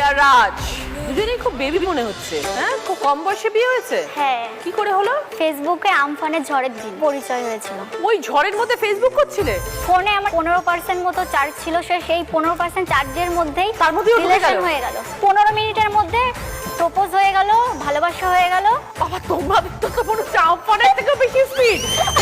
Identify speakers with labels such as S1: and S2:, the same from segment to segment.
S1: আর রাজ দুজনেই খুব বেবি মনে হচ্ছে। হ্যাঁ, খুব কম বয়সে বিয়ে হয়েছে।
S2: হ্যাঁ।
S1: কি করে হলো?
S2: ফেসবুকে আমফানের ঝড়ের দিন পরিচয় হয়েছিল।
S1: ওই ঝড়ের মধ্যে ফেসবুক করছিলে?
S2: ফোনে আমার 15% মতো চার্জ ছিল, সেই 15% চার্জের মধ্যেই
S1: তার মধ্যেই
S2: রিলেশন হয়ে গেল। 15 মিনিটের মধ্যে প্রপোজ হয়ে গেল, ভালোবাসা হয়ে গেল।
S1: বাবা, তোমাদের তো মনে হচ্ছে আমফানের থেকে বেশি স্পিড।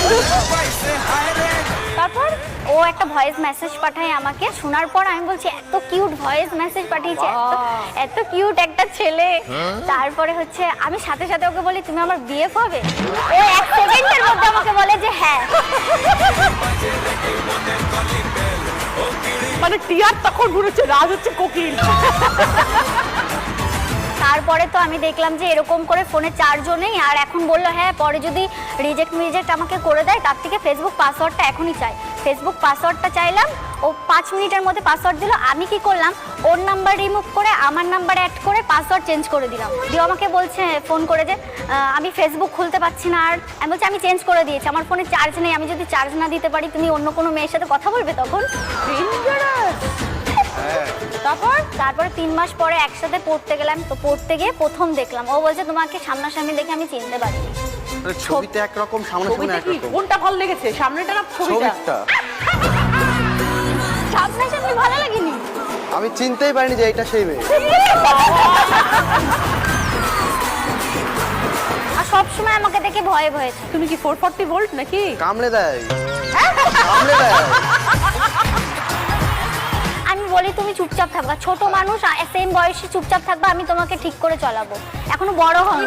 S1: তারপর
S2: ও একটা ভয়েস মেসেজ পাঠায় আমাকে, শোনার পর আমি বলছি এত কিউট ভয়েস মেসেজ পাঠিয়েছে, এত কিউট একটা ছেলে। তারপরে হচ্ছে আমি সাথে সাথে ওকে বলি তুমি আমার বিএফ হবে। ও 1 সেকেন্ডের মধ্যে আমাকে বলে যে হ্যাঁ।
S1: মানে টিয়ার তখন মনে হচ্ছে রাজ হচ্ছে কোকিল।
S2: তারপরে তো আমি দেখলাম যে এরকম করে ফোনে চার্জও নেই, আর এখন বললো হ্যাঁ পরে যদি রিজেক্ট আমাকে করে দেয় তার থেকে ফেসবুক পাসওয়ার্ডটা এখনই চাই। ফেসবুক পাসওয়ার্ডটা চাইলাম, ও 5 মিনিটের মধ্যে পাসওয়ার্ড দিল। আমি কি করলাম, ওর নাম্বার রিমুভ করে আমার নাম্বার অ্যাড করে পাসওয়ার্ড চেঞ্জ করে দিলাম। দিয়ে আমাকে বলছে ফোন করে যে আমি ফেসবুক খুলতে পারছি না। আর আমি বলছি আমি চেঞ্জ করে দিয়েছি, আমার ফোনে চার্জ নেই, আমি যদি চার্জ না দিতে পারি তুমি অন্য কোনো মেয়ের সাথে কথা বলবে তখন। তারপরে 3 মাস পরে একসাথে পড়তে গেলাম। তো পড়তে গিয়ে প্রথম দেখলাম, ও বলছে তোমাকে সামনাসামনি দেখে আমি চিনতে পারিনি।
S3: ছবিতে একরকম, সামনাসামনি একরকম।
S1: কোনটা ভালো লেগেছে, সামনেটা না ছবিটা?
S2: সামনাসামনি ভালো লাগেনি,
S3: আমি চিনতেই পারিনি যে এটা সেই মেয়ে।
S2: আর সবসময় আমাকে দেখে ভয়ে ভয়ে থাকে।
S1: তুমি কি 440 ভোল্ট নাকি?
S3: কামড়ে দেয়, কামড়ে দেয়।
S2: আমি বলি তুমি চুপচাপ থাকবা, ছোট মানুষ সেম বয়সে চুপচাপ থাকবা, আমি তোমাকে ঠিক করে চালাবো। এখনো বড় হন,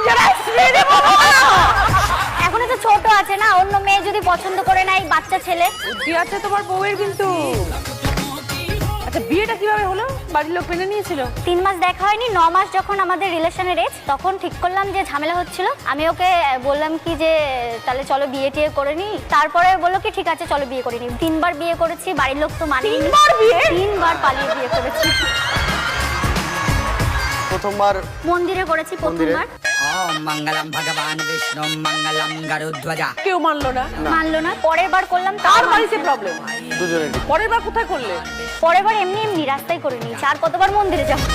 S2: এখনো তো ছোট আছে না, অন্য মেয়ে যদি পছন্দ করে না, এই বাচ্চা ছেলে।
S1: বুদ্ধি আছে তোমার বউয়ের কিন্তু। আচ্ছা, বিয়েটা কিভাবে হলো? বাড়ির লোক মেনে নিয়েছিল?
S2: 3 মাস দেখা হয়নি, 9 মাস যখন আমাদের রিলেশনের এজ, তখন ঠিক করলাম যে ঝামেলা হচ্ছিল। আমি ওকে বললাম কি যে তাহলে চলো বিয়ে টিয়ে করে নি। তারপরে বললো কি ঠিক আছে চলো বিয়ে করে নি। 3 বার বিয়ে করেছি, বাড়ির লোক তো মানেনি।
S1: 3 বার বিয়ে?
S2: 3 বার পালিয়ে বিয়ে করেছি।
S3: প্রথমবার
S2: মন্দিরে করেছি প্রথমবার।
S4: ওম মঙ্গলম ভগবান বিষ্ণু মঙ্গলম গরুধ্বজা।
S1: কেউ মানলো না?
S2: মানলো না। পরের বার করলাম,
S1: তার বাড়িতে প্রবলেম।
S3: দুজনেরই।
S1: পরের বার কোথায় করলে?
S2: পরের বার এমনি এমনি রাস্তায় করে নিয়েছি। আর কতবার মন্দিরে যাব?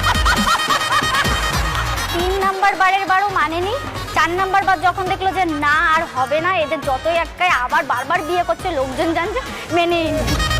S2: 3 নাম্বার বারের বারও মানেনি। 4 নাম্বার বার যখন দেখলো যে না আর হবে না, এদের যতই একটাই আবার বারবার বিয়ে করছে, লোকজন জানছে, মেনে নিল।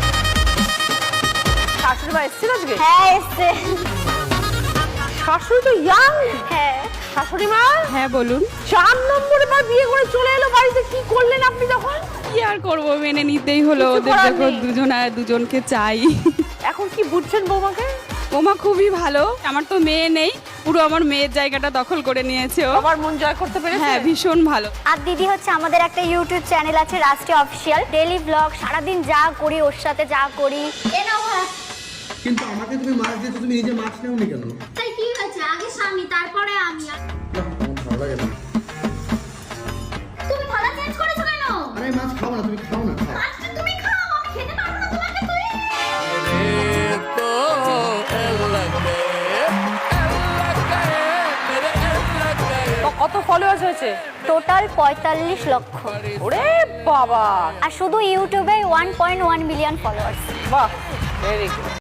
S1: শাশুড়ি মা এসেছিল আজকে?
S2: হ্যাঁ এসছে।
S1: শাশুড়ি তো ইয়াং।
S2: হ্যাঁ।
S1: শাশুড়ি মা?
S5: হ্যাঁ বলুন।
S1: 4 নম্বরে বার বিয়ে করে চলে এলো বাড়িতে, কি করলেন আপনি তখন?
S5: কি আর করবো, মেনে নিতেই হলো।
S1: কিছু
S5: ওদের
S1: করার
S5: যখন
S1: নেই।
S5: দুজনকে চাই।
S1: এখন কি বুঝছেন বৌমাকে?
S5: ওমা খুবই ভালো, আমার তো মেয়ে নেই, পুরো আমার মেয়ের জায়গাটা দখল করে নিয়েছে ও।
S1: আমার মন জয় করতে পেরেছে।
S5: হ্যাঁ ভীষণ ভালো।
S2: আর দিদি হচ্ছে আমাদের একটা ইউটিউব চ্যানেল আছে রাষ্ট্রীয় অফিসিয়াল, ডেইলি ব্লগ, সারাদিন যা করি ওর সাথে যা করি।
S6: কিন্তু আমাকে তুমি মাছ দিয়েছো, তুমি নিজে মাছ নেওনি কেন?
S2: তাই কি হয়েছে, আগে স্বামী তারপরে আমি।
S6: না, আমার ভালো লাগে না।
S2: তুমি থালা চেঞ্জ করেছো কেন?
S6: আরে মাছ খাও না, তুমি খাও না, খাও।
S2: মাছটা তুমি খাও, আমি খেতে পারবো না তোমাকে। তুই
S1: কত ফলোয়ার্স হয়েছে?
S2: টোটাল 45 লক্ষ।
S1: ওরে বাবা!
S2: আর শুধু ইউটিউবে 1.1 মিলিয়ন ফলোয়ার্স।
S1: বাহ, ভেরি গুড।